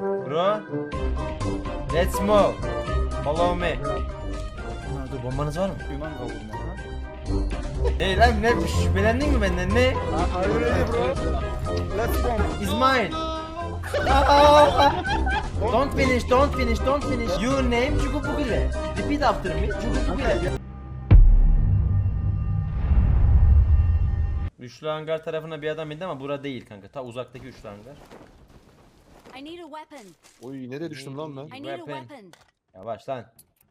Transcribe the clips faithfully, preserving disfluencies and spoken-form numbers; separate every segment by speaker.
Speaker 1: Bro. Let's move. Follow me. Ha, dur bombanız var mı?
Speaker 2: Yunan kavurma ha.
Speaker 1: Hey lan ne şüphelendin mi benden ne?
Speaker 2: Are you ready bro? Let's go.
Speaker 1: Is mine. Aa! Don't finish, don't finish, don't finish. Your name Cugubugile. Repeat after me. Cugubugile. Üçlü hangar tarafına bir adam indi ama bura değil kanka. Ta uzaktaki üçlü hangar.
Speaker 3: I need a weapon.
Speaker 4: Oy nereye düştüm lan ben?
Speaker 3: I need a
Speaker 1: Weapon.
Speaker 3: weapon.
Speaker 1: Yavaş lan.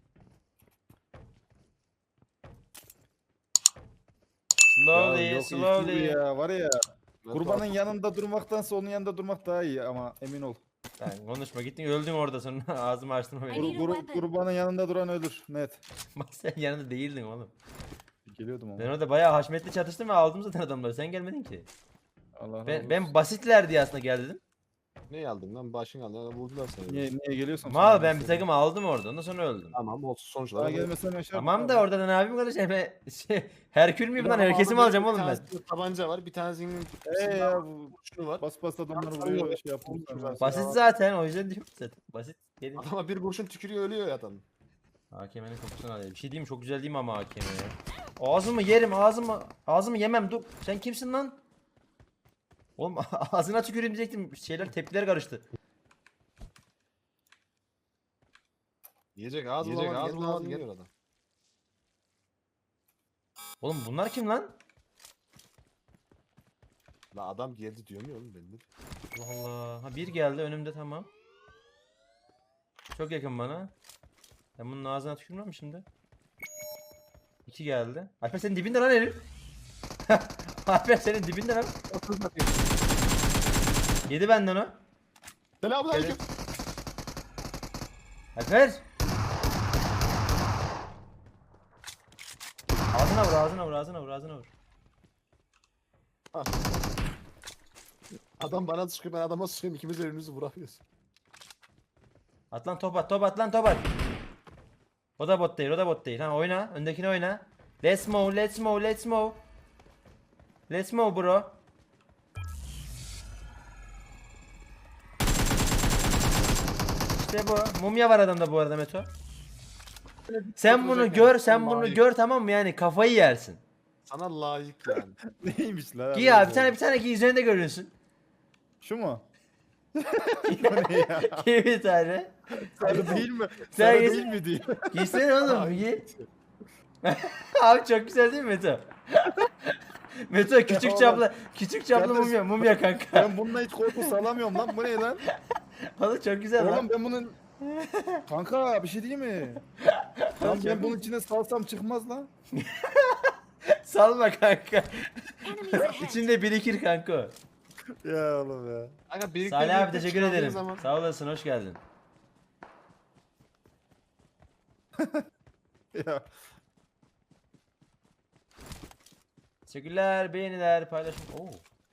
Speaker 1: Slowly,
Speaker 2: Ya yok,
Speaker 1: slowly.
Speaker 2: ilk gibi ya var ya.
Speaker 4: Ben
Speaker 2: Kurbanın
Speaker 4: tuhaf-
Speaker 2: yanında durmaktansa onun yanında durmak daha iyi ama emin ol.
Speaker 1: Sen konuşma gittin öldün orada sonra ağzımı açtırma
Speaker 3: I
Speaker 1: beni.
Speaker 3: need a
Speaker 2: Kur,
Speaker 3: weapon.
Speaker 2: kurbanın yanında duran ölür net.
Speaker 1: Bak sen yanında değildin oğlum.
Speaker 2: Geliyordum ama.
Speaker 1: Ben orada bayağı haşmetli çatıştım ve aldım zaten adamları. Sen gelmedin ki.
Speaker 2: Allah razı
Speaker 1: Ben,
Speaker 2: olsun.
Speaker 1: ben basitler diye aslında gel dedim.
Speaker 4: Ne aldın lan? Başın aldı. Ya, vurdular seni.
Speaker 2: Niye, niye geliyorsun?
Speaker 1: Mal ben bir takım aldım orada ondan sonra öldüm.
Speaker 4: Tamam olsun sonuçlar.
Speaker 2: Daha gelmesen yaşar.
Speaker 1: Tamam da orada da ne yapayım kardeşim? Ben şey, Herkül müyüm lan? Herkesi mi alacağım oğlum ben?
Speaker 4: Tabanca var. Bir tanesinin
Speaker 2: Eee ya bu
Speaker 4: şunu var.
Speaker 2: bas bas adamları
Speaker 4: Tamam,
Speaker 2: vuruyor
Speaker 4: tamam.
Speaker 2: şey yaptım.
Speaker 4: Tamam.
Speaker 1: Basit zaten o yüzden diyorum zaten. Basit. Gelin.
Speaker 4: Adama bir kurşun tükürüyor ölüyor ya adam.
Speaker 1: A K M'nin kokusunu alayım. Bir şey diyeyim mi? Çok güzel değil mi ama A K M ya? Ağzımı yerim ağzımı. Ağzımı yemem dur. Sen kimsin lan? Oğlum ağzına tüküreyim diyecektim. Şeyler tepkiler karıştı.
Speaker 4: Yiyecek ağzı
Speaker 5: Yiyecek,
Speaker 4: bulamadı.
Speaker 5: ağzı
Speaker 4: Ağzı
Speaker 5: bulamadı,
Speaker 4: bulamadı.
Speaker 5: gel.
Speaker 4: Geliyor adam.
Speaker 1: Oğlum bunlar kim lan?
Speaker 4: La adam geldi diyor mu oğlum ben de.
Speaker 1: Allah Allah. Ha bir geldi önümde tamam. Çok yakın bana. Ben bunun ağzına tükürmem mi şimdi? İki geldi. Alper senin dibinde lan herif. Alper senin dibinde lan. Yedi benden o.
Speaker 4: Selamünaleyküm.
Speaker 1: Alper. Ağzına vur ağzına vur ağzına vur ağzına vur.
Speaker 4: Adam bana sıkıyor ben adama sıkıyorum ikimiz birbirimizi vuramıyoruz.
Speaker 1: At lan top at top at lan top at. O da bot değil o da bot değil. Ha oyna öndekini oyna. Let's move let's move let's move. Let's move bro. İşte bu. Mumya var adamda bu arada Meto. Sen bunu gör sen bunu gör tamam mı yani kafayı yersin.
Speaker 4: Sana layık yani.
Speaker 2: Neymiş lan?
Speaker 1: Giy abi bir tane bir tane giy üzerinde görünsün.
Speaker 2: Şu mu?
Speaker 1: Giy bir tane.
Speaker 2: Sarı değil mi?
Speaker 1: Sen
Speaker 2: Sarı
Speaker 1: giysin-
Speaker 2: değil mi diye.
Speaker 1: Giysene oğlum giy. Abi çok güzel değil mi Meto? Meto küçük
Speaker 2: Oğlum.
Speaker 1: çaplı küçük çaplı
Speaker 2: Kardeş.
Speaker 1: mumya mumya kanka.
Speaker 2: Ben bununla hiç korku salamıyorum lan. Bu ne lan?
Speaker 1: Oğlum çok güzel lan.
Speaker 2: Oğlum ben bunun... Kanka bir şey değil mi? Lan ben bunun içine salsam çıkmaz lan.
Speaker 1: Salma kanka.
Speaker 3: Enemies ahead.
Speaker 1: İçinde birikir kanka o.
Speaker 2: Ya oğlum ya.
Speaker 4: Kanka birlikte
Speaker 1: Salih abi
Speaker 4: birlikte
Speaker 1: teşekkür
Speaker 4: çıkardığın
Speaker 1: ederim.
Speaker 4: Zaman...
Speaker 1: Sağ olasın hoş geldin.
Speaker 2: Ya.
Speaker 1: Teşekkürler, beğeniler, paylaşım. Oo.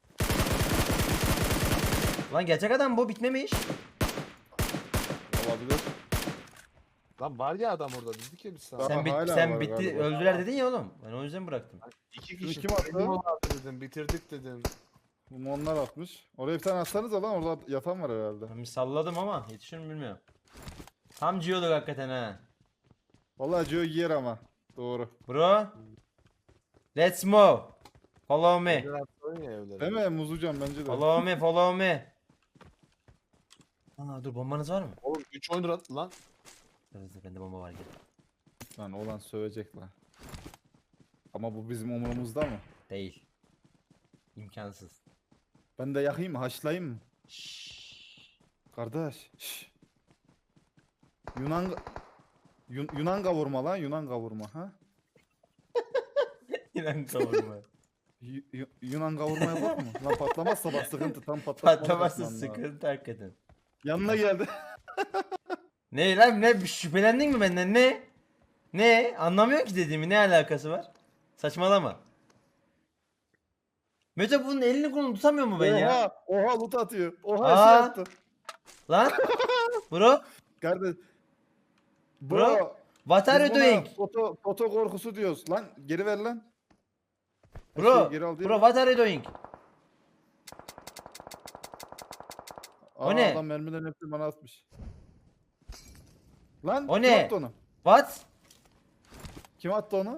Speaker 1: Lan gerçek adam bu bitmemiş.
Speaker 2: Olabilir.
Speaker 4: Lan var ya adam orada dedik ya biz sana.
Speaker 2: Daha
Speaker 1: Sen bit
Speaker 2: hala
Speaker 1: sen
Speaker 2: var
Speaker 1: bitti
Speaker 2: galiba.
Speaker 1: öldüler dedin ya oğlum. Ben o yüzden bıraktım.
Speaker 4: İki
Speaker 2: Bunu
Speaker 4: kişi.
Speaker 2: kim attı?
Speaker 4: Benim vardı dedim bitirdik dedim.
Speaker 2: Bunu onlar atmış. Oraya bir tane atsanız lan orada yatan var herhalde.
Speaker 1: Ben bir salladım ama yetişir mi bilmiyorum. Tam ciyorduk hakikaten ha.
Speaker 2: Vallahi Joe yer ama. Doğru.
Speaker 1: Bro. Let's move. Follow me.
Speaker 4: Evler attın ya evlere.
Speaker 2: Değil mi? Muzlucan bence de.
Speaker 1: Follow me, follow me. Aa dur bombanız var mı?
Speaker 4: Oğlum üç oyundur attı lan.
Speaker 1: Evet bende bomba var gel.
Speaker 2: Lan olan sövecek lan. Ama bu bizim umurumuzda mı?
Speaker 1: Değil. İmkansız.
Speaker 2: Ben de yakayım mı? Haşlayayım mı?
Speaker 1: Şşş.
Speaker 2: Kardeş. Şş. Yunan Yun- Yunan kavurma lan Yunan kavurma ha?
Speaker 1: İnan kavurma.
Speaker 2: Yu- Yu- Yunan kavurma yapar mı? Lan patlamazsa bak sıkıntı tam patlatmalı.
Speaker 1: Patlaması
Speaker 2: yapman lazım.
Speaker 1: sıkıntı hakikaten.
Speaker 2: Yanına geldi.
Speaker 1: Ne lan ne şüphelendin mi benden ne? Ne? Anlamıyorum ki dediğimi ne alakası var? Saçmalama. Mete bunun elini kolunu tutamıyor mu ben ya?
Speaker 2: Oha, oha loot atıyor. Oha
Speaker 1: Aa.
Speaker 2: şey attı.
Speaker 1: Lan? Bro?
Speaker 2: Kardeş.
Speaker 1: Bro?
Speaker 2: Bro.
Speaker 1: What are you
Speaker 2: biz buna
Speaker 1: doing?
Speaker 2: Foto, foto korkusu diyoruz. Lan geri ver lan. Her
Speaker 1: Bro,
Speaker 2: şeyi geri al diye.
Speaker 1: bro what are you doing? O
Speaker 2: Aa,
Speaker 1: ne?
Speaker 2: Adam mermilerin hepsini bana atmış. Lan
Speaker 1: O
Speaker 2: kim
Speaker 1: ne?
Speaker 2: attı onu?
Speaker 1: What?
Speaker 2: Kim attı onu?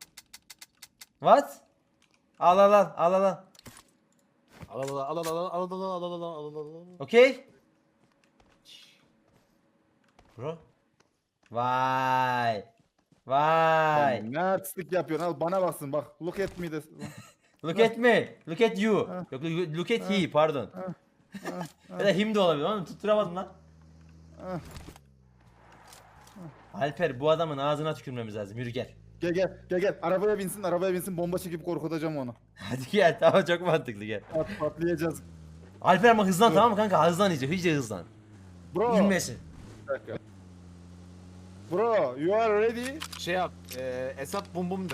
Speaker 1: What? Al al al al al al.
Speaker 4: Al al al al al al al al al al al al.
Speaker 1: Okay? Bro. Vay. Vay.
Speaker 2: Sen ne artistlik yapıyorsun? Al bana baksın bak. Look at me de.
Speaker 1: Look at me. Look at you.
Speaker 2: Ha.
Speaker 1: Yok look look at he pardon. Ya da him de olabilir oğlum tutturamadım lan.
Speaker 2: Ah.
Speaker 1: Alper bu adamın ağzına tükürmemiz lazım. Yürü gel.
Speaker 2: Gel gel gel gel. Arabaya binsin arabaya binsin bomba çekip korkutacağım onu.
Speaker 1: Hadi gel tamam çok mantıklı gel.
Speaker 2: Pat, patlayacağız.
Speaker 1: Alper ama hızlan
Speaker 2: Dur.
Speaker 1: tamam mı kanka? Hızlan iyice. İyice hızlan.
Speaker 2: Bro.
Speaker 1: İnmesin.
Speaker 2: Bir dakika. Bro you are ready?
Speaker 4: Şey yap. E, Esat bum bum de.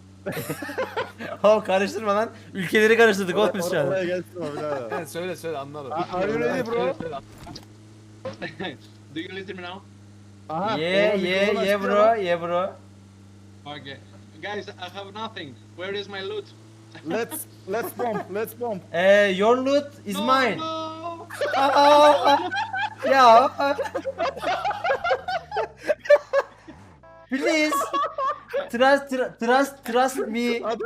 Speaker 1: Oh karıştırma lan. Ülkeleri karıştırdık oğlum biz şu
Speaker 2: Oraya, oraya
Speaker 1: an.
Speaker 2: gelsin o birader.
Speaker 4: Evet söyle söyle anladım.
Speaker 2: Are you ready bro?
Speaker 4: Söyle, söyle.
Speaker 5: Do you listen me now?
Speaker 2: Aha.
Speaker 1: Yeah
Speaker 2: oğlum,
Speaker 1: yeah
Speaker 2: mikrofonu
Speaker 1: yeah
Speaker 2: açtı
Speaker 1: bro
Speaker 2: ya.
Speaker 1: yeah bro.
Speaker 5: Okay. Guys, I have nothing. Where is my loot?
Speaker 2: Let's let's bomb let's bomb.
Speaker 1: Eh, your loot is
Speaker 5: No,
Speaker 1: mine.
Speaker 5: no.
Speaker 1: Aa, ya. Please. Trust, tr- trust, trust me.
Speaker 2: Adam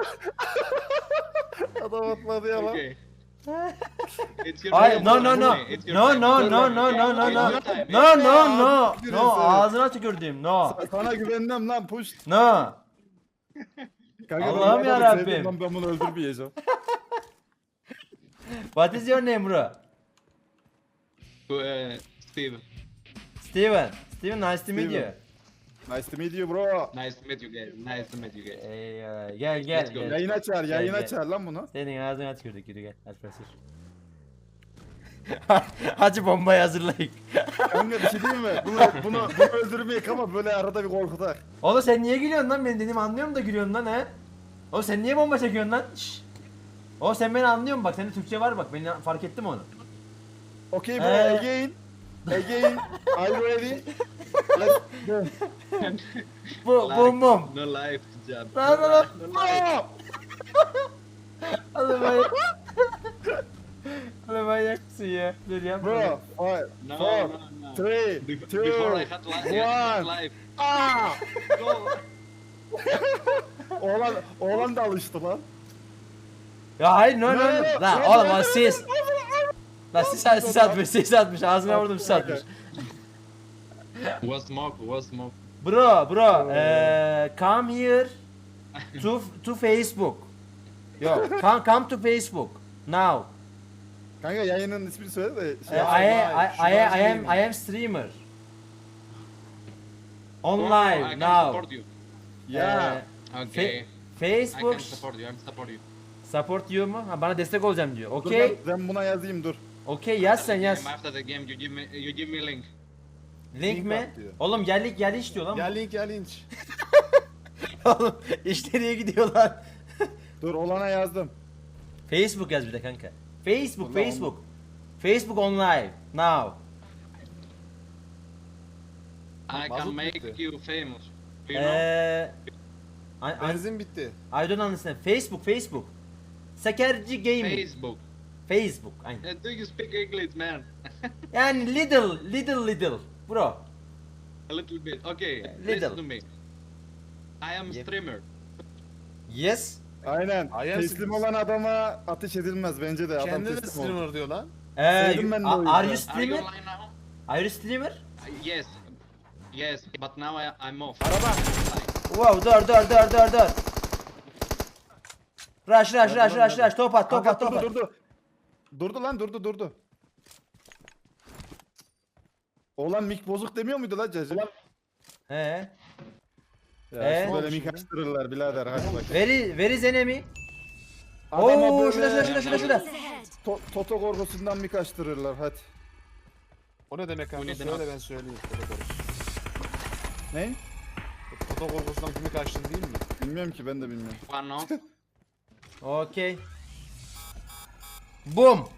Speaker 2: Adam atladı ya lan.
Speaker 5: Okay. It's your
Speaker 1: Ay,
Speaker 5: time,
Speaker 1: no no
Speaker 5: bro.
Speaker 1: no.
Speaker 5: It's your
Speaker 1: No
Speaker 5: time.
Speaker 1: no no no no no
Speaker 5: It's
Speaker 1: no.
Speaker 5: your time.
Speaker 1: No no no.
Speaker 2: Aa,
Speaker 1: No ağzına tükürdüm. No.
Speaker 2: Sana güvenmem lan push.
Speaker 1: No.
Speaker 2: Kanka,
Speaker 1: Allah'ım
Speaker 2: ben bu adamı
Speaker 1: yarabbim.
Speaker 2: sevdim lan, ben bunu öldürmeyeceğim.
Speaker 1: What is your name bro?
Speaker 5: Uh, Steve,
Speaker 1: Steven. Steven nice to meet you.
Speaker 2: Steven. Nice to meet you bro.
Speaker 5: nice to meet you guys. Nice to meet you guys.
Speaker 1: Ee, gel gel
Speaker 5: Let's go.
Speaker 1: gel.
Speaker 2: Yayın açar, yayın
Speaker 1: gel.
Speaker 2: açar lan bunu.
Speaker 1: Senin ağzına tükürdük yürü gel. Alper sür. Hacı bombayı hazırlayın.
Speaker 2: Kanka bir şey diyeyim mi? Bunu, bunu, bunu öldürmeyek ama böyle arada bir korkutak.
Speaker 1: Oğlum sen niye gülüyorsun lan? Ben dediğimi anlıyorum da gülüyorsun lan he. Oğlum sen niye bomba çekiyorsun lan? Şşş. Oğlum sen beni anlıyorsun bak. Sende Türkçe var bak. Ben fark ettim onu.
Speaker 2: Okay bro,
Speaker 1: Ee.
Speaker 2: again. Again. Are you ready? Let's go.
Speaker 1: Bu bum bum.
Speaker 5: No life to jump.
Speaker 1: Lan lan lan.
Speaker 2: Bro!
Speaker 1: Oğlum manyak. Oğlum manyak mısın ya? Dur yapma.
Speaker 2: Bro, five,
Speaker 5: No,
Speaker 2: four,
Speaker 5: no, no.
Speaker 2: three,
Speaker 5: Bef-
Speaker 2: two,
Speaker 5: Before I had li- I had
Speaker 2: one.
Speaker 5: life.
Speaker 2: Aa!
Speaker 5: Go.
Speaker 2: Oğlan, oğlan da alıştı lan.
Speaker 1: Ya hayır no no
Speaker 2: No,
Speaker 1: no.
Speaker 2: no,
Speaker 1: Lan
Speaker 2: no,
Speaker 1: oğlum
Speaker 2: no,
Speaker 1: o
Speaker 2: no,
Speaker 1: sis. Lan sis, sis atmış sis atmış. Ağzına vurdum sis atmış.
Speaker 5: Was smoke, was smoke.
Speaker 1: Bro bro. eee come here. To to Facebook. Yo come come to Facebook. Now.
Speaker 2: Kanka yayının ismini söyle de
Speaker 1: Uh,
Speaker 2: şey
Speaker 1: I,
Speaker 2: yapma.
Speaker 1: I, I, I, I am
Speaker 4: streaming.
Speaker 1: I am streamer. On
Speaker 5: Oh,
Speaker 1: live
Speaker 5: I can
Speaker 1: now.
Speaker 5: support you.
Speaker 2: Ya.
Speaker 1: Uh,
Speaker 5: Okay.
Speaker 1: Facebook
Speaker 5: I can support you. I'm support you.
Speaker 1: support you mu? Ha, bana destek olacağım diyor.
Speaker 2: Dur
Speaker 1: Okey.
Speaker 2: ben, ben buna yazayım dur.
Speaker 1: Okey yaz sen yaz.
Speaker 5: Game, After the game, you give me, you give me link.
Speaker 1: Link
Speaker 2: Link
Speaker 1: mi?
Speaker 2: at diyor.
Speaker 1: Oğlum gel link gel iş diyor lan.
Speaker 4: Ya link ya linç.
Speaker 1: Oğlum iş nereye gidiyorlar?
Speaker 2: Dur olana yazdım.
Speaker 1: Facebook yaz bir de kanka. Facebook
Speaker 2: Ulan
Speaker 1: Facebook. Facebook on live now.
Speaker 5: I
Speaker 4: Mazot
Speaker 5: can make
Speaker 4: bitti.
Speaker 5: you famous. You know?
Speaker 1: Eee I, I,
Speaker 4: Benzin bitti.
Speaker 1: I don't understand. Facebook Facebook. Sakerci Gaming.
Speaker 5: Facebook.
Speaker 1: Facebook. Aynen.
Speaker 5: Uh, do you speak English, man?
Speaker 1: Yani little little little bro.
Speaker 5: A little bit. Okay.
Speaker 1: Little.
Speaker 5: Listen to me. I am
Speaker 1: Yep.
Speaker 5: streamer.
Speaker 1: Yes.
Speaker 2: Aynen.
Speaker 4: Ayağım
Speaker 2: Teslim
Speaker 4: sıkıntı.
Speaker 2: olan adama ateş edilmez bence de. Adam
Speaker 4: Kendi de
Speaker 2: teslim oldu.
Speaker 4: streamer diyor lan.
Speaker 1: Eee
Speaker 2: Sevdim ben de o
Speaker 1: are,
Speaker 2: yüzden.
Speaker 1: are you
Speaker 5: Are you
Speaker 1: streamer?
Speaker 5: online now?
Speaker 1: Are you streamer?
Speaker 5: Uh, yes. Yes, but now I, I'm off.
Speaker 4: Araba.
Speaker 1: Wow dur dur dur dur dur. Rush rush rush rush rush top at top
Speaker 2: Kanka
Speaker 1: at top
Speaker 2: durdu
Speaker 1: at.
Speaker 2: durdu. Durdu lan durdu durdu. Oğlan mik bozuk demiyor muydu lan cacı?
Speaker 1: He.
Speaker 2: Ya
Speaker 1: Ee?
Speaker 2: işte böyle mik açtırırlar birader hadi bak.
Speaker 1: Where where is enemy?
Speaker 2: Adama
Speaker 1: Oo
Speaker 2: böyle
Speaker 1: şurada şurada şurada şurada şurada.
Speaker 3: Enemies ahead.
Speaker 2: to- Toto korkusundan mik açtırırlar hadi.
Speaker 4: O ne demek kanka?
Speaker 5: Bu ne
Speaker 4: Söyle
Speaker 5: demek?
Speaker 4: ben söyleyeyim. Toto korkusu.
Speaker 2: Ne?
Speaker 4: Toto korkusundan kimi kaçtın değil mi?
Speaker 2: Bilmiyorum ki ben de bilmiyorum.
Speaker 5: One off.
Speaker 1: Okay. Boom.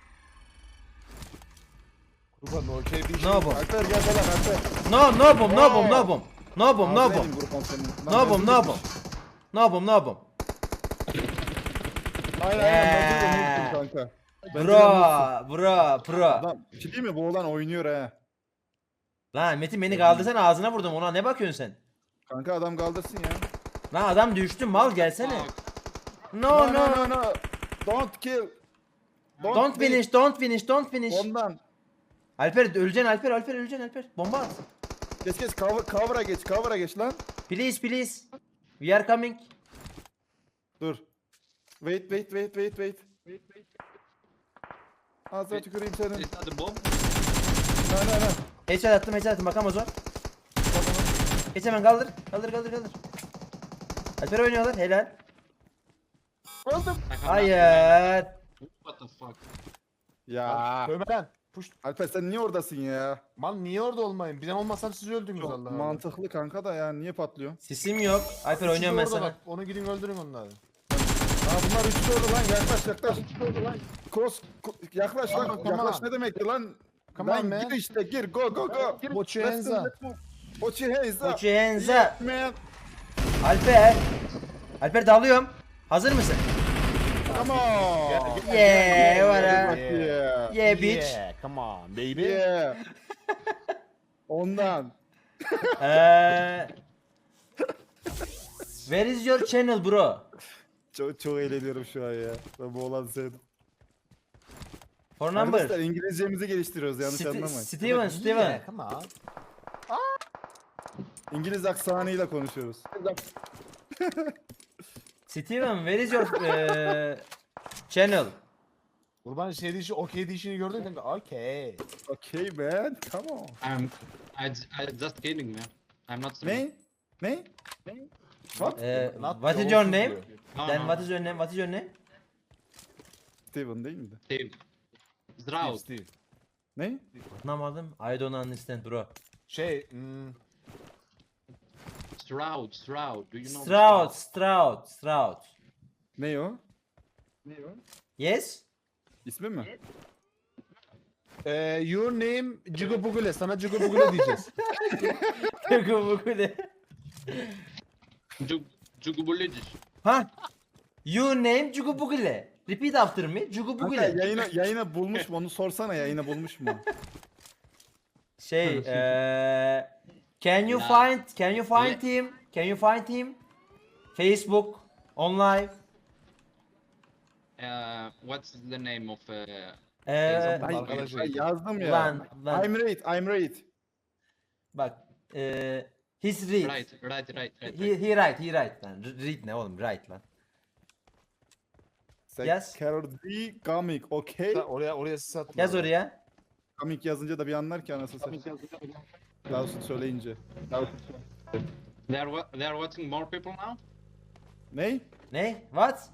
Speaker 4: Kurban okey değil.
Speaker 1: No boom.
Speaker 2: Alper gel falan Alper.
Speaker 1: No no boom no boom no boom. No boom no
Speaker 2: Ağzına
Speaker 1: boom.
Speaker 2: yedin Gurkan senin. Lan
Speaker 1: No boom
Speaker 2: benzin
Speaker 1: no
Speaker 2: bitmiş.
Speaker 1: boom. No boom no boom.
Speaker 2: Aynen
Speaker 1: Yeah.
Speaker 2: aynen benzin de unuttum kanka. Bence de
Speaker 1: Bro, bro, pro.
Speaker 2: Adam, bir şey diyeyim mi? Bu olan oynuyor he.
Speaker 1: Lan Metin beni kaldırsana, ağzına vurdum, ona ne bakıyorsun sen?
Speaker 2: Kanka adam kaldırsın ya.
Speaker 1: Lan adam düştü, mal gelsene.
Speaker 5: Fuck.
Speaker 1: No no.
Speaker 2: no no. Don't kill.
Speaker 1: Don't
Speaker 2: beat.
Speaker 1: finish, don't finish, don't finish.
Speaker 2: Ondan.
Speaker 1: Alper öleceksin, Alper, Alper öleceksin, Alper. Bomba at.
Speaker 2: Geç geç cover, cover'a geç, cover'a geç lan.
Speaker 1: Please, please. We are coming.
Speaker 2: Dur. Wait wait wait wait wait. Wait wait. Ağzına tüküreyim senin.
Speaker 5: Is that the bomb?
Speaker 2: No no no.
Speaker 1: Headshot attım, headshot attım, bakamaz o. Geç hemen, kaldır. Kaldır, kaldır, kaldır. Alper oynuyorlar, helal.
Speaker 5: I have nothing, man.
Speaker 1: Hayır.
Speaker 5: What the fuck?
Speaker 2: Ya.
Speaker 4: Dövme lan. Puş.
Speaker 2: Alper sen niye oradasın ya?
Speaker 4: Man niye orada olmayın? Ben olmasam siz öldünüz
Speaker 2: Çok
Speaker 4: Allah Allah.
Speaker 2: mantıklı kanka da ya niye patlıyor?
Speaker 1: Sisim yok. Alper
Speaker 4: Siz
Speaker 1: oynuyorum ben
Speaker 4: orada
Speaker 1: sana.
Speaker 4: bak, onu gidin öldürün onları.
Speaker 2: Ha bunlar üçlü oldu lan yaklaş yaklaş. Kos ko- yaklaş lan.
Speaker 4: Tamam, tamam.
Speaker 2: Yaklaş ne demekti lan?
Speaker 4: Come on,
Speaker 2: Lan
Speaker 4: man.
Speaker 2: gir işte gir go go go.
Speaker 4: Put your hands up.
Speaker 2: Put your hands up.
Speaker 1: Put your hands up.
Speaker 2: Man.
Speaker 1: Alper. Alper dalıyorum. Hazır mısın?
Speaker 2: Come on.
Speaker 1: Yeah, what a-
Speaker 2: Yeah.
Speaker 1: Yeah bitch.
Speaker 4: Yeah, come on baby.
Speaker 2: Yeah. Ondan.
Speaker 1: Eee. Where is your channel bro?
Speaker 2: Çok çok eğleniyorum şu an ya. Ben bu olan sevdim.
Speaker 1: For
Speaker 2: Arkadaşlar
Speaker 1: number.
Speaker 2: İngilizcemizi geliştiriyoruz yanlış
Speaker 1: Sti-
Speaker 2: anlamayın.
Speaker 1: Steven, Steven.
Speaker 4: Yeah, come on.
Speaker 2: İngiliz aksanıyla konuşuyoruz.
Speaker 1: Steven, where is your eee, channel?
Speaker 4: Kurban şey dişi, okey dişini gördün kanka. Okey.
Speaker 2: Okay man, come on.
Speaker 5: I'm. I, I just kidding, man. I'm not.
Speaker 2: Ne? Ne? What?
Speaker 1: Eee,
Speaker 4: Not
Speaker 1: what is
Speaker 4: the
Speaker 1: your
Speaker 4: olsun
Speaker 1: name?
Speaker 4: diyor.
Speaker 5: No,
Speaker 1: Then
Speaker 5: no.
Speaker 1: what is your name? What is your name?
Speaker 2: Steven değil miydi?
Speaker 5: Steve. Zdrav.
Speaker 4: Steve.
Speaker 2: Ne?
Speaker 1: Anlamadım. I don't understand bro.
Speaker 4: Şey, hmm,
Speaker 5: Stroud. Stroud. Do you know?
Speaker 1: Stroud, Stroud, Stroud.
Speaker 2: Ne o?
Speaker 1: Yes?
Speaker 2: İsmi mi?
Speaker 4: e, your name Cigubugule. Sana Cigubugule diyeceğiz.
Speaker 5: Jug. Jugubulidish.
Speaker 1: Ha? You name Cugubugile. Repeat after me.
Speaker 2: Kanka
Speaker 1: Cugubugile.
Speaker 2: yayına, yayına bulmuş mu onu sorsana yayına bulmuş mu?
Speaker 1: Şey, eee can you
Speaker 5: Ya.
Speaker 1: find can you find
Speaker 5: Le-
Speaker 1: him? Can you find him? Facebook, online.
Speaker 5: Uh, what's the name of? Uh,
Speaker 1: Eee
Speaker 2: Ay,
Speaker 4: Arkadaşım.
Speaker 2: ay yazdım ya.
Speaker 1: lan lan
Speaker 2: I'm right, I'm right.
Speaker 1: bak eee he's read.
Speaker 5: right. Right. Right. Right.
Speaker 1: He,
Speaker 5: right.
Speaker 1: he right, he right lan. R- Read ne oğlum? Right lan. Yaz.
Speaker 2: Security comic, okay.
Speaker 4: Sen oraya oraya siz atın.
Speaker 1: Yaz oraya.
Speaker 2: Comic yazınca da bir anlar ki anasını satayım. Daha söyleyince.
Speaker 5: They are. wa- They are watching more people now.
Speaker 2: Ne?
Speaker 1: Ne? What?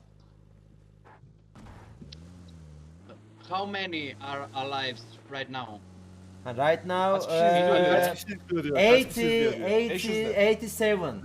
Speaker 5: How many are alive right now?
Speaker 1: Ha, right now
Speaker 4: Kaç kişi izliyor
Speaker 1: eee,
Speaker 4: ya?
Speaker 2: Kaç kişi izliyor diyor. Kaç kişi
Speaker 1: eighty,
Speaker 2: izliyor diyor.
Speaker 1: eighty,
Speaker 4: beş yüz de.
Speaker 1: eighty-seven.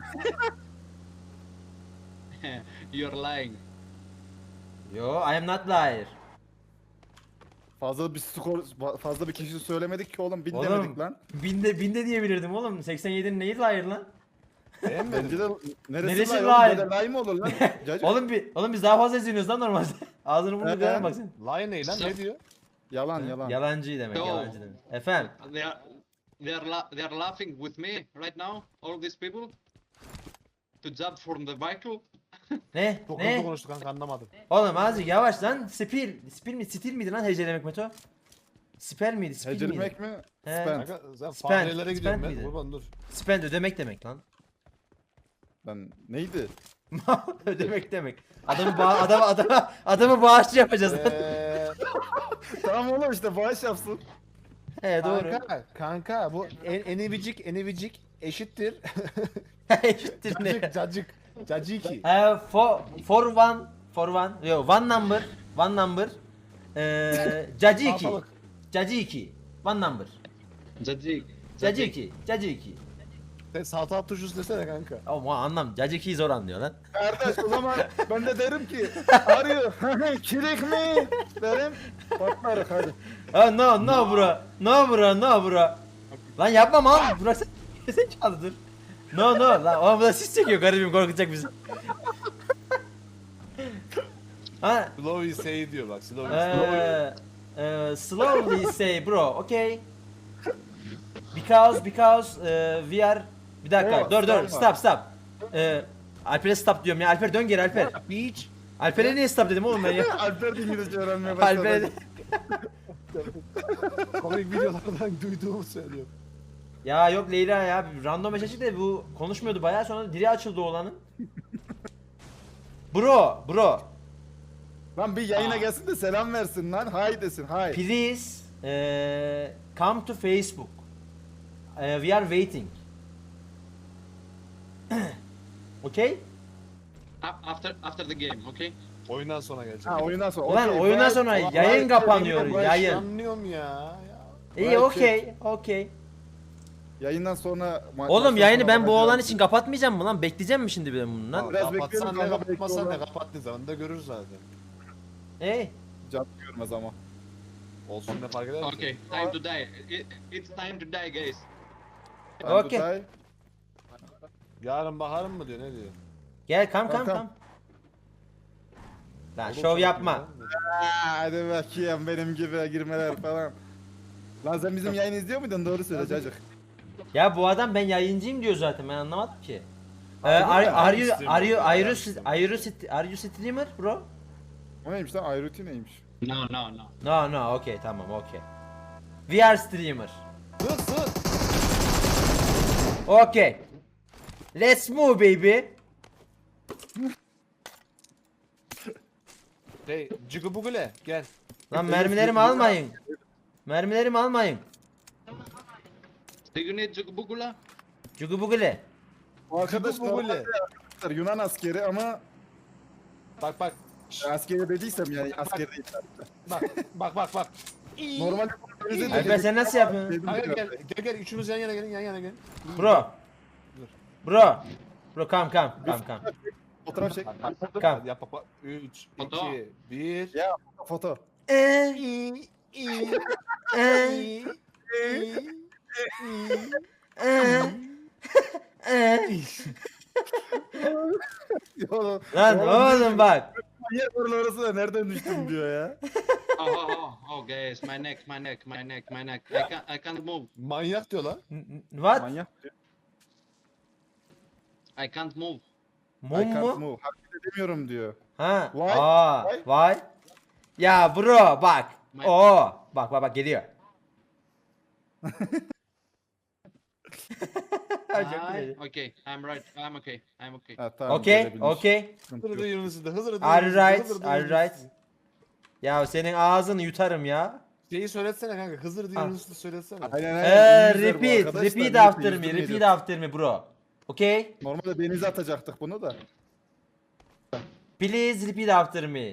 Speaker 5: You're lying.
Speaker 1: Yo, I am not liar.
Speaker 2: Fazla bir skor, fazla bir kişi söylemedik ki oğlum bin
Speaker 1: Oğlum,
Speaker 2: demedik lan.
Speaker 1: Binde binde diyebilirdim oğlum. seksen yedinin neyi liar lan?
Speaker 2: Bence de neresi,
Speaker 1: Neresi
Speaker 2: lay
Speaker 1: lay?
Speaker 2: oğlum böyle lay mı olur lan? Cacık.
Speaker 1: Oğlum bir oğlum biz daha fazla izliyoruz lan normalde. Ağzını burnunu
Speaker 2: Evet.
Speaker 1: kırarım bak sen.
Speaker 4: Lion ne lan ne diyor?
Speaker 2: Yalan yalan.
Speaker 1: Yalancı demek,
Speaker 5: Yo.
Speaker 1: yalancı demek. Efendim.
Speaker 5: They are. They are. La- they are laughing with me right now. All these people. To jump from the vehicle.
Speaker 1: Ne?
Speaker 4: Çok hızlı
Speaker 1: Ne?
Speaker 4: konuştu kanka anlamadım.
Speaker 1: Oğlum azıcık yavaş lan. Spil. Spil mi? Stil miydi lan hecelemek Meto? Spell miydi? Spil miydi?
Speaker 2: Hecelemek mi?
Speaker 1: He.
Speaker 2: Spend.
Speaker 4: Kanka sen
Speaker 1: Spend,
Speaker 4: farelere gidiyorum
Speaker 1: spend
Speaker 4: ben.
Speaker 1: miydi?
Speaker 4: Kurban dur.
Speaker 1: Spend ödemek demek lan.
Speaker 2: Ben neydi?
Speaker 1: Ödemek demek. Adamı ba adamı adamı adamı bağışçı yapacağız lan.
Speaker 4: Eee
Speaker 2: Tamam oğlum işte bağış yapsın.
Speaker 1: He doğru.
Speaker 4: kanka, kanka bu en, enivicik enivicik eşittir.
Speaker 1: Eşittir ne?
Speaker 4: Cacık cacık. Caciki.
Speaker 1: Ee, for for one for one. Yo one number. One number. Eee Cacı iki.
Speaker 4: Salatalık.
Speaker 1: Cacı iki. One number.
Speaker 5: Jajik.
Speaker 1: Cacı iki. Cacı iki.
Speaker 4: Sen salatalık turşusu desene kanka.
Speaker 1: Ama anlam. Cacı ikiyi zor anlıyor lan.
Speaker 2: Kardeş o zaman ben de derim ki arıyor. Kirik mi? Derim. Patlarız hadi.
Speaker 1: Ha no no bro. No bro no bro. Lan yapma mal. Burası zekalıdır. No no lan o bu da sis çekiyor garibim korkutacak bizi. Ha,
Speaker 4: Slowly say diyor bak. Slowly say.
Speaker 1: eee, eee, slowly say bro, okay? Because, because eee, we are... Bir dakika,
Speaker 2: Oh,
Speaker 1: dur dur,
Speaker 2: stop.
Speaker 1: stop stop. Eee, Alper'e stop diyorum ya, Alper dön geri Alper.
Speaker 4: Beach.
Speaker 1: Alper'e niye stop dedim oğlum ben ya?
Speaker 2: Alper de İngilizce öğrenmeye başladı.
Speaker 1: Alper'e...
Speaker 4: Komik videolardan duyduğumu söylüyorum.
Speaker 1: Ya yok Leyla ya, random eşleştik de bu konuşmuyordu bayağı, sonra dili açıldı oğlanın. Bro, bro,
Speaker 2: Lan bir yayına gelsin de selam versin lan. Hi desin. Hi.
Speaker 1: please eee, come to Facebook. Eee, we are waiting. Okay?
Speaker 5: A- After after the game, okay?
Speaker 4: Oyundan sonra gelecek.
Speaker 2: Ha oyundan sonra.
Speaker 1: Ulan
Speaker 2: Okey,
Speaker 1: oyundan
Speaker 2: bye.
Speaker 1: sonra
Speaker 2: Bye.
Speaker 1: yayın
Speaker 2: Bye.
Speaker 1: kapanıyor,
Speaker 2: Bye.
Speaker 1: yayın.
Speaker 4: Anlıyorum ya. ya.
Speaker 1: İyi,
Speaker 2: Right,
Speaker 1: okey, okey.
Speaker 2: Yayından sonra ma-
Speaker 1: Oğlum
Speaker 2: maçtan
Speaker 1: yayını
Speaker 2: sonra
Speaker 1: ben bu
Speaker 2: bakacağım.
Speaker 1: oğlan için kapatmayacağım mı lan? Bekleyeceğim mi şimdi ben bunu lan?
Speaker 2: Biraz
Speaker 4: Kapatsan
Speaker 2: bekleyelim
Speaker 4: ne
Speaker 2: kanka,
Speaker 4: kapatmasan ne
Speaker 2: bekliyorlar.
Speaker 4: kapattığı zaman da görürüz zaten.
Speaker 1: Ey,
Speaker 2: Can görmez ama.
Speaker 4: Olsun ne fark eder ki?
Speaker 5: Okay, time to die. It, it's time to die, guys.
Speaker 1: okey.
Speaker 2: Dutay.
Speaker 4: Yarın baharım mı diyor ne diyor?
Speaker 1: Gel kam kam
Speaker 2: Kankam.
Speaker 1: kam. Lan
Speaker 4: Oğlum
Speaker 1: şov
Speaker 4: sana
Speaker 1: yapma.
Speaker 4: kim lan?
Speaker 2: Aa, hadi bakayım benim gibi girmeler falan. Lan sen bizim yayını izliyor muydun? Doğru söyle çocuk.
Speaker 1: Ya bu adam ben yayıncıyım diyor zaten, ben anlamadım ki. Ee,
Speaker 2: Harbi
Speaker 1: are,
Speaker 2: mi?
Speaker 1: are you
Speaker 4: Streamer.
Speaker 1: are you are you are you st- are you streamer bro?
Speaker 2: O neymiş lan? Ayruti neymiş?
Speaker 5: No, no, no.
Speaker 1: No no, okay tamam, okay. We are streamer.
Speaker 4: Sır sır.
Speaker 1: Okay. Let's move baby.
Speaker 4: Hey cıgıbugule gel.
Speaker 1: Lan mermilerimi almayın. Mermilerimi almayın.
Speaker 5: Do you need Jugubugula?
Speaker 1: Cugubugule.
Speaker 2: O arkadaş
Speaker 4: Cıgıbugule.
Speaker 2: normalde arkadaşlar Yunan askeri ama
Speaker 4: Bak bak.
Speaker 2: askeri dediysem yani askeri değil.
Speaker 4: Bak bak bak bak.
Speaker 2: Normalde özür
Speaker 1: Alper sen nasıl yapıyorsun?
Speaker 4: Kanka gel gel gel üçümüz yan yana gelin yan yana gelin.
Speaker 1: Bro. Bro. Bro kam kam kam kam.
Speaker 2: Fotoğraf çek.
Speaker 1: Kam.
Speaker 4: Hadi yap bak bak. üç,
Speaker 5: Foto.
Speaker 4: iki, bir.
Speaker 2: Ya foto.
Speaker 1: Eee. Eee. Eee. Eee.
Speaker 2: Oğlum,
Speaker 1: Lan oğlum bak.
Speaker 2: Manyak oralı orası da nereden düştüm diyor ya.
Speaker 5: Oh, oh, oh, oh, guys, my neck, my neck, my neck, my neck. I can't, I can't move.
Speaker 4: Manyak diyor lan.
Speaker 1: N- n- What?
Speaker 2: Manyak.
Speaker 5: I can't move.
Speaker 2: I
Speaker 1: Mum
Speaker 2: can't
Speaker 1: mu?
Speaker 2: move. Hareket edemiyorum diyor.
Speaker 1: Ha.
Speaker 2: Why?
Speaker 1: Aa,
Speaker 2: Why?
Speaker 1: why? Ya bro bak.
Speaker 5: My-
Speaker 1: Oo. Bak bak bak geliyor. Çok
Speaker 5: I,
Speaker 1: güzel.
Speaker 5: okay, I'm right. I'm okay. I'm okay.
Speaker 2: Ha, tamam,
Speaker 1: Okay,
Speaker 2: gelebilmiş.
Speaker 1: okay.
Speaker 2: Sıkıntı
Speaker 4: Hızır
Speaker 2: yok.
Speaker 4: Yunus'u da hızır
Speaker 1: Are you right? Are you right? Ya senin ağzını yutarım ya.
Speaker 4: Şeyi söyletsene kanka Hızır
Speaker 1: Ah.
Speaker 4: Yunus'u söyletsene.
Speaker 2: Aynen aynen.
Speaker 1: Eee
Speaker 2: İngilizler bu
Speaker 1: repeat,
Speaker 2: arkadaşlar,
Speaker 1: repeat
Speaker 2: yüzde
Speaker 1: after
Speaker 2: yüz
Speaker 1: me,
Speaker 2: bilmiyor.
Speaker 1: repeat after me bro. Okay?
Speaker 2: Normalde denize atacaktık bunu da.
Speaker 1: Please repeat after me.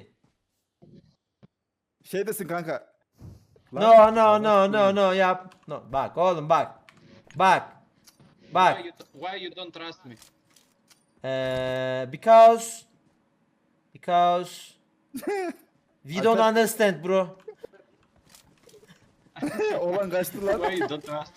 Speaker 2: Şey desin kanka. Lan-
Speaker 1: No no no no no yap. No. Bak oğlum bak. Bak. Bak.
Speaker 5: Why you, why you don't trust me?
Speaker 1: Eee because because we don't
Speaker 2: Alper-
Speaker 1: understand bro.
Speaker 2: Oğlan kaçtı lan.
Speaker 5: Why you don't trust?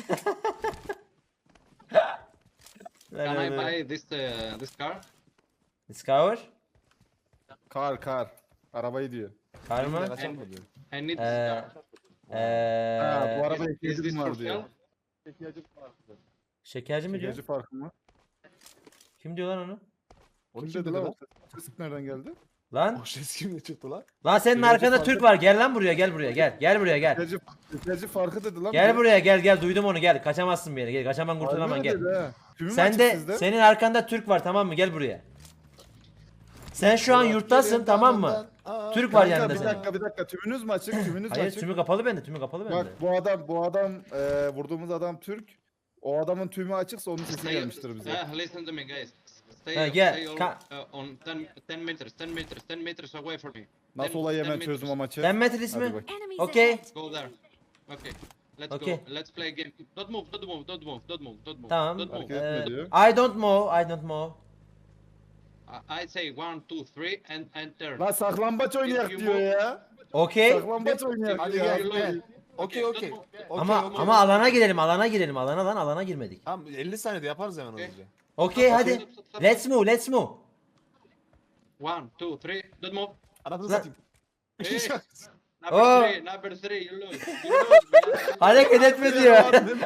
Speaker 5: Can I buy this uh, this car?
Speaker 1: Discover?
Speaker 2: Kar kar. Arabayı diyor.
Speaker 1: Var mı?
Speaker 4: Kaçar mı diyor?
Speaker 5: I need this
Speaker 1: Eee
Speaker 5: car.
Speaker 2: Ha, bu
Speaker 1: Eee
Speaker 2: araba
Speaker 5: Is, is this
Speaker 2: ihtiyacım
Speaker 5: for
Speaker 2: var diyor.
Speaker 5: sale?
Speaker 1: şekerci mi diyor?
Speaker 2: Şekerci farkı mı?
Speaker 1: Kim diyor lan onu?
Speaker 4: Onu
Speaker 2: Kim
Speaker 4: kim
Speaker 2: dedi
Speaker 4: dedi
Speaker 2: lan?
Speaker 4: lan?
Speaker 2: O ses nereden geldi?
Speaker 1: Lan
Speaker 4: O ses kimle çıktı lan?
Speaker 1: lan senin
Speaker 2: Şekerci
Speaker 1: arkanda
Speaker 2: farkı-
Speaker 1: Türk var. Gel lan buraya, gel buraya, gel. Gel buraya gel.
Speaker 2: Şekerci, şekerci farkı dedi lan.
Speaker 1: Gel
Speaker 2: biri.
Speaker 1: buraya gel gel, duydum onu, gel. Kaçamazsın bir yere. Gel, kaçaman
Speaker 2: Harbi
Speaker 1: kurtulamam
Speaker 2: mi
Speaker 1: gel.
Speaker 2: dedi ha? Tümü mü
Speaker 1: Sen
Speaker 2: açık
Speaker 1: de
Speaker 2: sizde?
Speaker 1: senin arkanda Türk var, tamam mı? Gel buraya. Sen şu an yurttasın, tamam mı? Türk var
Speaker 2: Kanka,
Speaker 1: yanında
Speaker 2: bir
Speaker 1: senin.
Speaker 2: dakika bir dakika tümünüz mü açık? Tümünüz mü
Speaker 1: Hayır,
Speaker 2: açık?
Speaker 1: tümü kapalı bende, tümü kapalı bende.
Speaker 2: Bak bu adam bu adam e, vurduğumuz adam Türk. O adamın tümü açıksa onun sesi
Speaker 5: Stay,
Speaker 2: gelmiştir bize.
Speaker 5: uh, listen to me, guys. Stay,
Speaker 1: Ha, gel,
Speaker 5: stay all,
Speaker 1: ka-
Speaker 5: uh, on ten, ten meters, ten meters, ten meters away from me.
Speaker 2: Nasıl
Speaker 5: Ten-
Speaker 2: olay
Speaker 5: ten
Speaker 2: hemen
Speaker 5: meters.
Speaker 2: çözdüm o maçı.
Speaker 1: Sen Metin ismi?
Speaker 2: Hadi bak.
Speaker 3: Enemies
Speaker 1: Okay.
Speaker 3: ahead.
Speaker 5: Go there. Okay. Let's
Speaker 1: Okay.
Speaker 5: go. Let's play a game. Don't move, don't move, don't move, don't move, don't move.
Speaker 1: Tamam.
Speaker 5: Don't move.
Speaker 2: Hareket etme
Speaker 1: Ee,
Speaker 2: diyor.
Speaker 1: I don't know, I don't know.
Speaker 5: I I say one, two, three, and enter.
Speaker 2: Lan saklambaç oynayak
Speaker 5: you
Speaker 2: diyor
Speaker 5: move-
Speaker 2: ya.
Speaker 1: Okay.
Speaker 2: Saklambaç oynayak
Speaker 4: Hadi
Speaker 2: diyor.
Speaker 4: gel gel. Okey okey.
Speaker 5: don't move.
Speaker 4: Okey,
Speaker 1: Ama
Speaker 4: okey.
Speaker 1: ama alana girelim, alana girelim. Alana lan, alana girmedik.
Speaker 4: Tamam elli saniyede yaparız hemen
Speaker 5: Okey.
Speaker 1: Okay, hadi.
Speaker 5: Stop, stop, stop.
Speaker 1: Let's move, let's move.
Speaker 5: One, two, three. Don't move.
Speaker 4: Anasını
Speaker 1: Lan-
Speaker 4: satayım.
Speaker 5: Hey, number
Speaker 1: Oh.
Speaker 5: three, number three, you lose. You lose, man.
Speaker 1: Hareket etme diyor.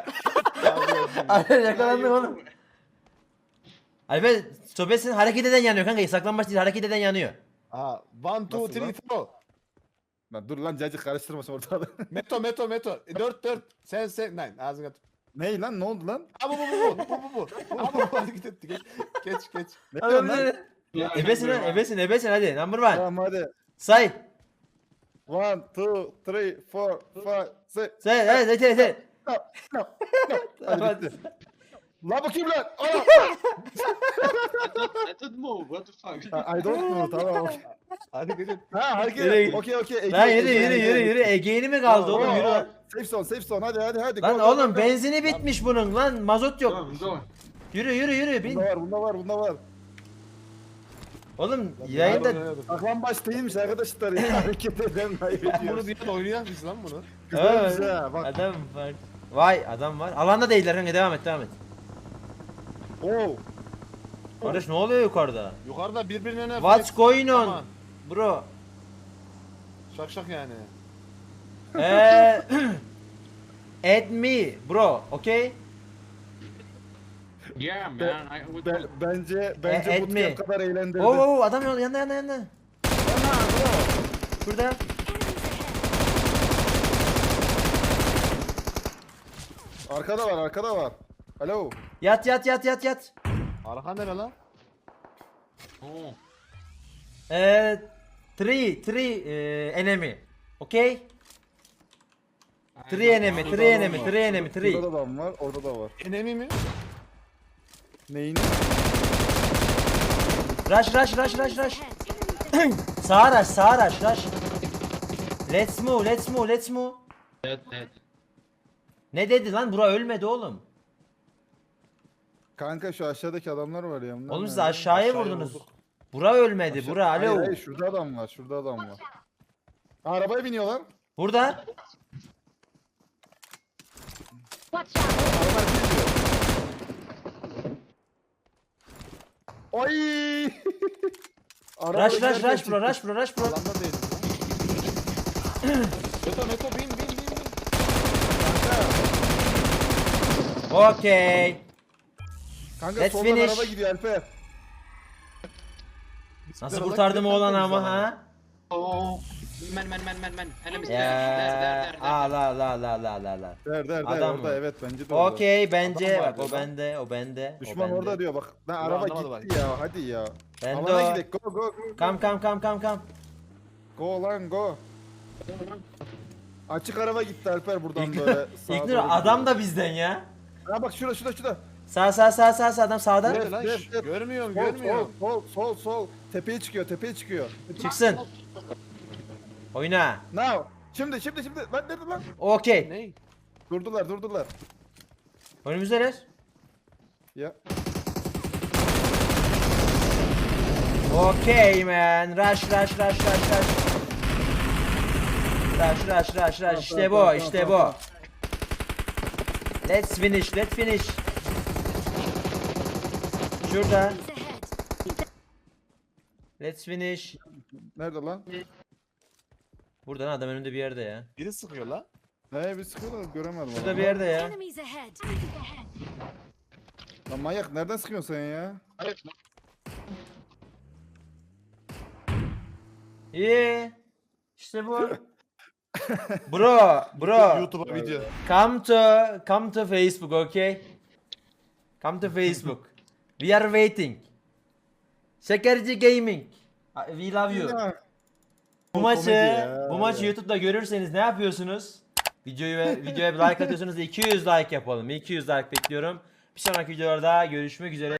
Speaker 1: Alper yakalandın oğlum. Alper sobesin hareket eden yanıyor kanka. Saklanmaç değil hareket eden yanıyor.
Speaker 4: Aa, one, two,
Speaker 2: Nasıl
Speaker 4: three,
Speaker 2: lan?
Speaker 4: four.
Speaker 2: Lan dur lan cacık karıştırmasın ortalığı.
Speaker 4: Meto, meto, meto. Dört, dört. Sen, sen, nine. Ağzına tut.
Speaker 2: Ney lan ne oldu lan?
Speaker 4: Aa bu, bu, bu, bu, bu, bu, bu. Aa bu, bu, hareket etti. Geç, geç, geç.
Speaker 2: Ne diyorsun lan?
Speaker 1: Ebesin lan ebesin ebesin hadi number one.
Speaker 2: Tamam hadi.
Speaker 1: Say.
Speaker 2: One, two, three, four, five, six.
Speaker 1: Say hadi hadi hadi.
Speaker 2: No, no, no. Hadi bitti. La bakayım lan. Ana.
Speaker 5: I thought, I thought move, what the fuck?
Speaker 2: Ha, I don't know tamam. okey.
Speaker 4: Hadi geç.
Speaker 2: Ha hareket.
Speaker 1: Nereye
Speaker 2: et. Okey okey. Ege,
Speaker 1: Lan yürü
Speaker 2: Ege,
Speaker 1: yürü
Speaker 2: Ege,
Speaker 1: yürü
Speaker 2: Ege.
Speaker 1: yürü. Ege'ni mi kaldı oğlum
Speaker 2: Oo,
Speaker 1: yürü
Speaker 2: oo.
Speaker 1: lan.
Speaker 2: Safe zone safe zone hadi hadi hadi.
Speaker 1: Lan
Speaker 2: Go, go,
Speaker 1: oğlum
Speaker 2: go, go.
Speaker 1: benzini bitmiş bunun lan mazot yok.
Speaker 5: Go, go.
Speaker 1: Yürü yürü yürü bin.
Speaker 2: Bunda var bunda var bunda var.
Speaker 1: Oğlum yayında
Speaker 2: Saklambaç değilmiş arkadaşlar ya. Hareket eden
Speaker 4: Bunu
Speaker 2: kaybediyoruz.
Speaker 4: bir yana oynayak biz lan bunu.
Speaker 2: Güzelmiş
Speaker 1: Evet.
Speaker 2: ha bak.
Speaker 1: adam var. Vay adam var. Alanda değiller kanka devam et devam et.
Speaker 2: Oo.
Speaker 1: Kardeş ne oluyor yukarıda?
Speaker 4: Yukarıda birbirine
Speaker 1: What's going on?
Speaker 4: Aman.
Speaker 1: Bro.
Speaker 4: Şak şak yani.
Speaker 1: Eee Add me bro, okay?
Speaker 5: Yeah, man. I would
Speaker 2: Ben, bence bence
Speaker 1: E,
Speaker 2: bu
Speaker 1: etme.
Speaker 2: kadar eğlendirdi.
Speaker 1: Oo oo, adam yanında yanında yanında yanında. Şurada.
Speaker 2: Arkada var arkada var. Alo.
Speaker 1: Yat yat yat yat yat.
Speaker 4: Arka nere lan?
Speaker 5: Oh.
Speaker 1: Eee three three eee, enemy. Okay? Three enemy,
Speaker 2: Şurada
Speaker 1: three
Speaker 2: adam
Speaker 1: enemy,
Speaker 2: var.
Speaker 1: three enemy, three.
Speaker 2: Şurada da adam var orada da var.
Speaker 4: Enemi mi?
Speaker 2: Neyin?
Speaker 1: Rush rush rush rush rush.
Speaker 3: Ahead.
Speaker 1: Sağa rush sağa rush rush. Let's move let's move let's move.
Speaker 5: Dead, dead.
Speaker 1: Ne dedi lan? Bura ölmedi oğlum.
Speaker 2: Kanka şu aşağıdaki adamlar var ya. bunlar
Speaker 1: Oğlum siz
Speaker 2: nerede?
Speaker 1: aşağıya
Speaker 4: Aşağıya
Speaker 1: vurdunuz.
Speaker 4: vurduk.
Speaker 1: Bura ölmedi.
Speaker 2: Aşağı-
Speaker 1: Bura
Speaker 2: Hayır
Speaker 1: alo.
Speaker 2: hayır şurada adam var şurada adam var. Arabaya biniyorlar.
Speaker 1: Burada.
Speaker 3: Watch out.
Speaker 2: Arabalar biniyor. Oy! Araba
Speaker 1: Rush rush
Speaker 2: giderken
Speaker 1: rush bro
Speaker 2: çıktı.
Speaker 1: rush bro rush bro.
Speaker 4: Alanda değiliz lan. Meto, meto, bin, bin, bin, bin.
Speaker 1: Okay.
Speaker 2: Kanka
Speaker 1: Let's
Speaker 2: soldan
Speaker 1: finish.
Speaker 2: araba gidiyor Alper.
Speaker 1: Nasıl kurtardım oğlan ama ha?
Speaker 5: Oh. Man, man, man, man, man. Enemies there.
Speaker 1: Ya.
Speaker 5: There, there, there, there.
Speaker 1: Aa la la la la la la.
Speaker 2: Der der der
Speaker 1: Adam
Speaker 2: orada
Speaker 1: mı?
Speaker 2: evet bence de orada.
Speaker 1: Okey bence
Speaker 4: Adam var
Speaker 1: bak o
Speaker 4: diyor lan.
Speaker 1: bende o bende. o
Speaker 2: Düşman
Speaker 1: bende.
Speaker 2: orada diyor bak. Lan
Speaker 4: Dur,
Speaker 2: araba
Speaker 4: anlamadı
Speaker 2: gitti ya hadi ya.
Speaker 1: Bende
Speaker 2: Alana
Speaker 1: o.
Speaker 2: gidelim go go go.
Speaker 1: Kam kam kam kam kam.
Speaker 2: Go lan go. Açık araba gitti Alper buradan böyle. sağa
Speaker 1: İlknur
Speaker 2: doğru
Speaker 1: adam
Speaker 2: gidiyor.
Speaker 1: da bizden ya.
Speaker 2: Ha bak şurada şurada şurada.
Speaker 1: Sağ sağ sağ sağ sağ adam sağda.
Speaker 4: Nerede lan?
Speaker 2: Def,
Speaker 4: Şş,
Speaker 2: def.
Speaker 4: Görmüyorum,
Speaker 2: Sol
Speaker 4: görmüyorum.
Speaker 2: sol sol sol sol. Tepeye çıkıyor tepeye çıkıyor.
Speaker 1: Çıksın. Oyna.
Speaker 2: Now. Şimdi şimdi şimdi. Lan nerede lan?
Speaker 1: Okey.
Speaker 4: Ne?
Speaker 2: Durdular durdular.
Speaker 1: Önümüzdeler.
Speaker 2: Ya.
Speaker 1: Okey man. Rush rush rush rush rush. Rush rush rush rush. İşte bu işte bu. Let's finish let's finish. Şurada.
Speaker 3: Enemies ahead.
Speaker 1: Let's finish.
Speaker 2: Nerede lan?
Speaker 1: Buradan adam önünde bir yerde ya.
Speaker 4: Biri sıkıyor lan.
Speaker 2: He bir sıkıyorlar göremedim.
Speaker 1: Şurada
Speaker 2: adamı.
Speaker 1: bir yerde ya.
Speaker 3: Enemies ahead.
Speaker 2: Lan manyak nereden sıkıyorsun sen ya?
Speaker 1: İyi. İşte bu. Bro, bro.
Speaker 4: YouTube'a video.
Speaker 1: Come to come to Facebook, okay? Come to Facebook. We are waiting. Şekerci Gaming. We love you.
Speaker 2: Ya.
Speaker 1: Bu
Speaker 2: O
Speaker 1: maçı
Speaker 2: komedi ya,
Speaker 1: bu maçı
Speaker 2: ya.
Speaker 1: YouTube'da görürseniz ne yapıyorsunuz? Videoyu ve videoya bir like atıyorsunuz. iki yüz like yapalım. iki yüz like bekliyorum. Bir sonraki videolarda görüşmek üzere.